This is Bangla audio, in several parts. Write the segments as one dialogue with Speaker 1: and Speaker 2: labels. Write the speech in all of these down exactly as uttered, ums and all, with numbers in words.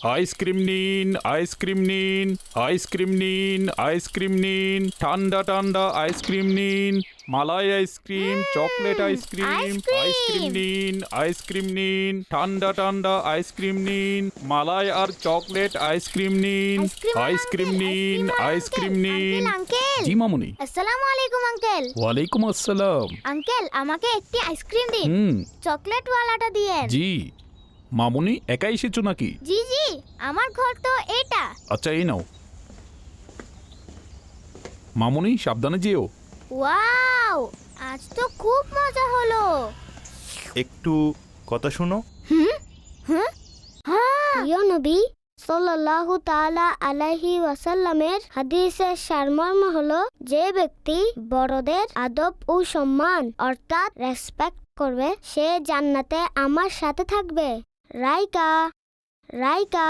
Speaker 1: আইসক্রিম নিন, আইসক্রিম নিন, আইসক্রিম নিন, আইসক্রিম নিন, ঠান্ডা ঠান্ডা আইসক্রিম নিন, মালাই আইসক্রিম, চকলেট আইসক্রিম, আইসক্রিম নিন, আইসক্রিম নিন, ঠান্ডা ঠান্ডা আইসক্রিম নিন, মালাই আর চকলেট আইসক্রিম নিন, আইসক্রিম নিন, আইসক্রিম নিন। জি মামুনি।
Speaker 2: আসসালামু আলাইকুম আঙ্কেল।
Speaker 1: ওয়ালাইকুম আসসালাম।
Speaker 2: আঙ্কেল আমাকে একটি আইসক্রিম দিন।
Speaker 1: হুম।
Speaker 2: চকলেট ওয়ালাটা দিয়েন।
Speaker 1: জি। মামুনি একা এসেছো নাকি?
Speaker 2: জি জি, আমার ঘর তো এটা।
Speaker 1: আচ্ছা এই নাও। মামুনি সাবধানে যেও।
Speaker 2: ওয়াও, আজ তো খুব মজা হলো।
Speaker 3: একটু কথা শোনো।
Speaker 2: হুম হুম হ্যাঁ, প্রিয় নবী সাল্লাল্লাহু তাআলা আলাইহি ওয়াসাল্লামের হাদিসের সারমর্ম হলো, যে ব্যক্তি বড়দের আদব ও সম্মান অর্থাৎ রেসপেক্ট করবে সে জান্নাতে আমার সাথে থাকবে। রাইকা রাইকা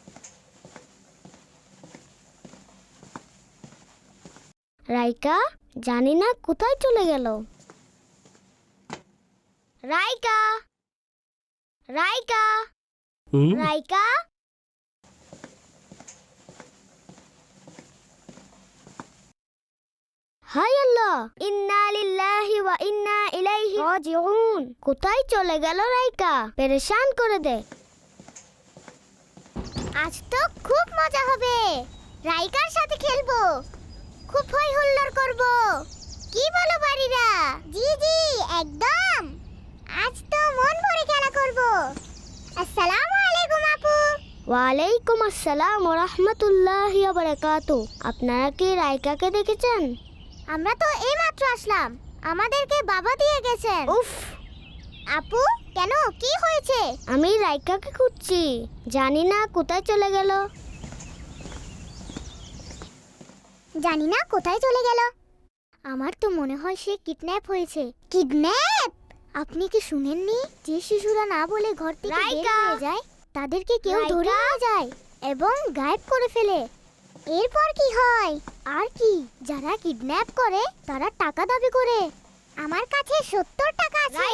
Speaker 2: রাইকা জানি না কোথায় চলে গেল। রাইকা রাইকা রাইকা হাই আল্লাহ, ইন্না লিল্লাহি ওয়া ইন্না ইলাইহি রাজিউন। কোথায় চলে গেল রাইকা? পেরেশান করে দে। আজ তো খুব মজা হবে, রাইকার সাথে খেলবো, খুব হই হুল্লোড় করব। কি বলো বাড়িরা? জি জি একদম, আজ তো মন ভরে খেলা করব। আসসালামু আলাইকুম আপু। ওয়ালাইকুম আসসালাম ওয়া রাহমাতুল্লাহি ওয়া বারাকাতুহু। আপনারা কি রাইকাকে দেখেছেন? আমরা তো এইমাত্র আসলাম, আমাদেরকে বাবা দিয়ে গেছেন। উফ আপু, কেন কি হয়েছে? আমি রাইকাকে খুঁজছি, জানি না কোথায় চলে গেল। জানি না কোথায় চলে গেল। আমার তো মনে হয় সে কিডন্যাপ হয়েছে। কিডন্যাপ? আপনি কি শুনেননি যে শিশুরা না বলে ঘর থেকে বের হয়ে যায় তাদেরকে কেউ ধরে নিয়ে যায় এবং গায়েব করে ফেলে। এরপর কি হয়? আর কি, যারা কিডন্যাপ করে তারা টাকা দাবি করে। আমার কাছে সত্তর টাকা আছে।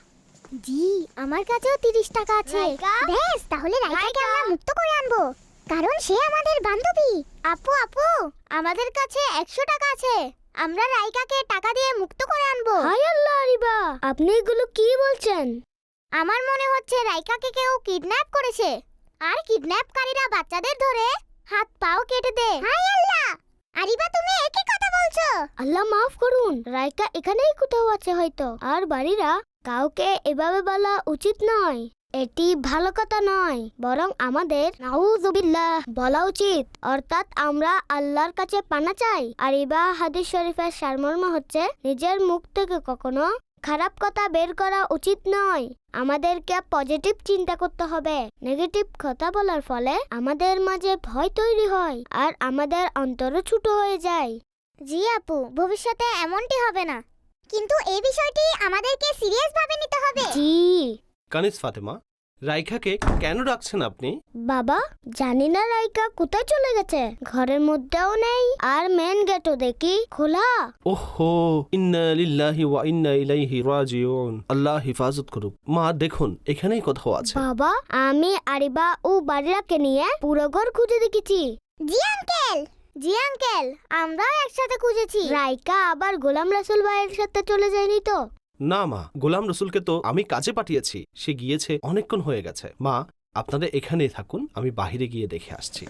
Speaker 2: জি, আমার কাছেও তিরিশ টাকা আছে। বেশ, তাহলে রাইকাকে আমরা মুক্ত করে আনবো, কারণ সে আমাদের বান্ধবী। আপু আপু, আমাদের কাছে একশো টাকা আছে, আমরা রাইকাকে টাকা দিয়ে মুক্ত করে আনবো। হায় আল্লাহ আরিবা, আপনি এগুলো কি বলছেন? আমার মনে হচ্ছে রাইকাকে কেউ কিডন্যাপ করেছে, আর কিডন্যাপকারীরা বাচ্চাদের ধরে হাত পাও কেটে দেয়। হায় আল্লাহ, আরিবা তুমি একই কথা বলছো। আল্লাহ মাফ করুন, রাইকা এখানেই কোথাও আছে হয়তো। আর বাড়িরা, কাউকে এভাবে বলা উচিত নয়, এটি ভালো কথা নয়, বরং আমাদের নাউযুবিল্লাহ বলা উচিত, অর্থাৎ আমরা আল্লাহর কাছে পানা চাই। আর ইবা হাদিস শরীফের সারমর্ম হচ্ছে, নিজের মুখ থেকে কখনো খারাপ কথা বের করা উচিত নয়। আমাদেরকে পজিটিভ চিন্তা করতে হবে। নেগেটিভ কথা বলার ফলে আমাদের মাঝে ভয় তৈরি হয় আর আমাদের অন্তরও ছোট হয়ে যায়। জি আপু, ভবিষ্যতে এমনটি হবে না, কিন্তু এই বিষয়টি আমাদেরকে সিরিয়াস ভাবে নিতে হবে। জি।
Speaker 4: কানিজ ফাতেমা, রাইকাকে কেন রাখছেন আপনি?
Speaker 2: বাবা, জানি না রাইকা কোথায় চলে গেছে, ঘরের মধ্যেও নেই, আর মেন গেটও দেখি খোলা।
Speaker 4: ওহো, ইন্না লিল্লাহি ওয়া ইন্না ইলাইহি রাজিউন। আল্লাহ হিফাজত করুক। মা দেখুন, এখানেই কোথাও আছে।
Speaker 2: বাবা, আমি আরিবা ও বাড়িরাকে নিয়ে পুরো ঘর খুঁজে দেখেছি। জি আঙ্কেল, জি আঙ্কেল, আমরাও একসাথে খুঁজেছি। রাইকা আবার গোলাম রাসূল ভাইয়ের সাথে চলে যায়নি তো?
Speaker 4: না মা, গোলাম রসুলকে তো আমি কাজে পাঠিয়েছি, সে গিয়েছে অনেকক্ষণ হয়ে গেছে। মা, আপনারা এখানেই থাকুন, আমি বাহিরে গিয়ে দেখে আসছি।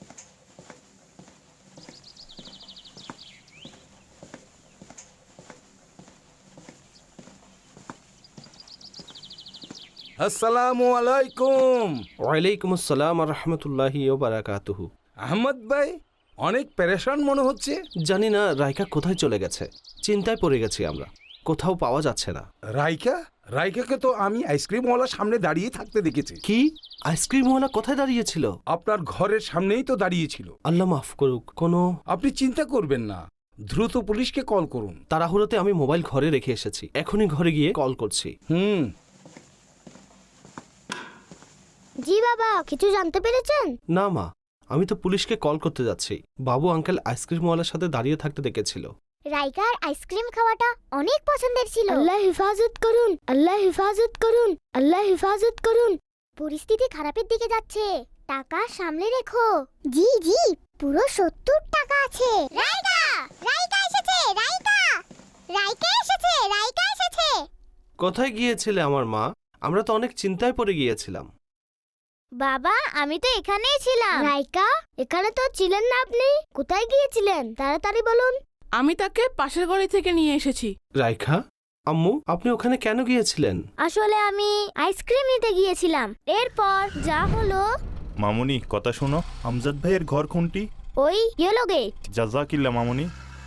Speaker 5: আসসালামু আলাইকুম।
Speaker 4: ওয়ালাইকুম আসসালাম ওয়া রাহমাতুল্লাহি ওয়া বারাকাতুহু।
Speaker 5: আহমদ ভাই, অনেক পেরেশান মনে হচ্ছে।
Speaker 4: জানি না রাইকা কোথায় চলে গেছে, চিন্তায় পড়ে গেছি আমরা, কোথাও পাওয়া যাচ্ছে না।
Speaker 5: রাইকা? রাইকাকে তো আমি আইসক্রিমওয়ালার সামনে দাঁড়িয়ে থাকতে দেখেছি।
Speaker 4: কি? আইসক্রিমওয়ালা কোথায় দাঁড়িয়েছিল?
Speaker 5: আপনার ঘরের সামনেই তো দাঁড়িয়েছিল।
Speaker 4: আল্লাহ মাফ করুক। কোনো
Speaker 5: আপনি চিন্তা করবেন না, দ্রুত পুলিশকে কল করুন।
Speaker 4: তাড়াহুড়োতে আমি মোবাইল ঘরে রেখে এসেছি, এখনই ঘরে গিয়ে কল করছি।
Speaker 5: হুম।
Speaker 2: জি বাবা, কিছু জানতে পেরেছেন?
Speaker 4: না মা, আমি তো পুলিশকে কল করতে যাচ্ছি। বাবু আঙ্কেল আইসক্রিমওয়ালার সাথে দাঁড়িয়ে থাকতে দেখেছিল।
Speaker 2: রাইকার আইসক্রিম খাওয়াটা অনেক পছন্দের ছিল। আল্লাহ হেফাজত করুন, আল্লাহ হেফাজত করুন, আল্লাহ হেফাজত করুন। পরিস্থিতি খারাপের দিকে যাচ্ছে। টাকা সামলে রেখো। জি জি, পুরো সত্তর টাকা আছে। রাইকা রাইকা এসেছে, রাইকা রাইকা এসেছে, রাইকা এসেছে।
Speaker 4: কোথায় গিয়েছিলে আমার মা? আমরা তো অনেক চিন্তায় পড়ে গিয়েছিলাম।
Speaker 2: বাবা, আমি তো এখানেই ছিলাম। রাইকা, এখানে তো ছিলেন না আপনি। কোথায় গিয়েছিলেন তাড়াতাড়ি বলুন।
Speaker 6: আমি তাকে পাশের গলি থেকে নিয়ে এসেছি।
Speaker 4: রাইখা, আম্মু আপনি ওখানে কেন গিয়েছিলেন?
Speaker 2: আসলে আমি আইসক্রিম নিতে গিয়েছিলাম। এরপর যা হলো।
Speaker 3: মামুনি কথা শোনো, আমজাদ ভাইয়ের ঘর কোনটি?
Speaker 2: ওই ইয়েলো গেট।
Speaker 3: জাজাকিল্লা মামুনি।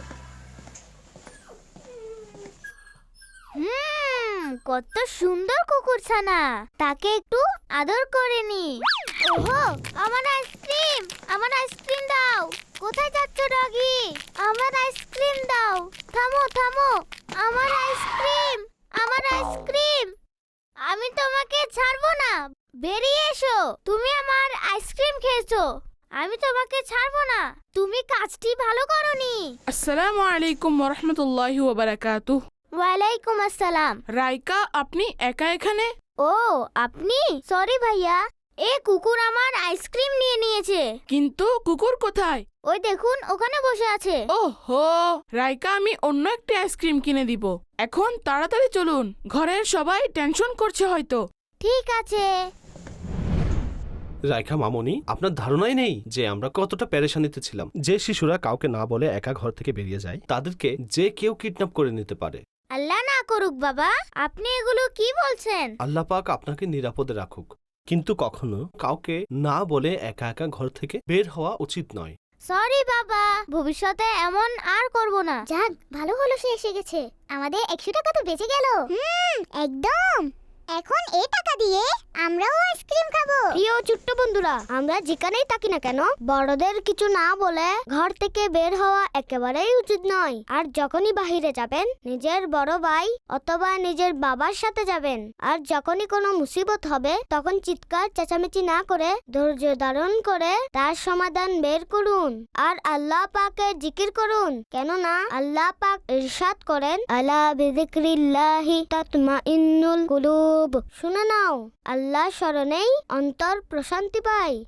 Speaker 2: হুম, কত সুন্দর কুকুরছানা। তাকে একটু আদর করে নি। ওহো, আমার আইসক্রিম, আমার আইসক্রিম দাও। কোথায় যাচ্ছ ডগি? আমার আইসক্রিম দাও। থামো থামো, আমার আইসক্রিম, আমার আইসক্রিম। আমি তোমাকে ছাড়বো না, বেরিয়ে এসো। তুমি আমার আইসক্রিম খেয়েছো, আমি তোমাকে ছাড়বো না। তুমি কাজটি ভালো করনি।
Speaker 6: আসসালামু আলাইকুম ওরহমতুল্লাহি ওয়াবারাকাতুহ।
Speaker 2: ওয়ালাইকুম আসসালাম।
Speaker 6: রাইকা, আপনি একা এখানে?
Speaker 2: ও, আপনি? সরি ভাইয়া, এ কুকুর আমার আইসক্রিম নিয়ে নিয়েছে।
Speaker 6: কিন্তু কুকুর কোথায়?
Speaker 2: ওই দেখুন, ওখানে বসে আছে।
Speaker 6: ওহো, রাইকা, আমি অন্য একটি আইসক্রিম কিনে দিব। এখন তাড়াতাড়ি চলুন, ঘরের সবাই টেনশন করছে হয়তো।
Speaker 2: ঠিক আছে।
Speaker 4: রাইখা মামনি, আপনার ধারণাই নেই যে আমরা কতটা পেরেশানিতে ছিলাম। যে শিশুরা কাউকে না বলে একা ঘর থেকে বেরিয়ে যায়, তাদেরকে যে কেউ কিডন্যাপ করে নিতে পারে।
Speaker 2: আল্লাহ না করুক বাবা, আপনি এগুলো কি বলছেন?
Speaker 4: আল্লাহ পাক আপনাকে নিরাপদে রাখুক, কিন্তু কখনো কাউকে না বলে একা একা ঘর থেকে বের হওয়া উচিত নয়।
Speaker 2: সরি বাবা, ভবিষ্যতে এমন আর করব না। যাক, ভালো হলো সে এসে গেছে। আমাদের একশো টাকা তো বেঁচে গেল। হুম, একদম। এখন এই টাকা দিয়ে আমরাও আইসক্রিম খাবো। প্রিয় ছোট্ট বন্ধুরা, আমরা যেখানেই থাকি না কেন, বড়দের কিছু না বলে ঘর থেকে বের হওয়া একেবারেই উচিত নয়। আর যখনই বাহিরে যাবেন, নিজের বড় ভাই অথবা নিজের বাবার সাথে যাবেন। আর যখনই কোনো মুসিবত হবে, তখন চিৎকার চেঁচামেচি না করে ধৈর্য ধারণ করে তার সমাধান বের করুন। আর আল্লাহ পাকের জিকির করুন, কেননা আল্লাহ পাক ইরশাদ করেন, আলা বিযিকরিল্লাহি তাতমাইন্নুল কুলুব। শুনে নাও, আল্লাহ স্মরণেই অন্তর প্রশান্তি পায়।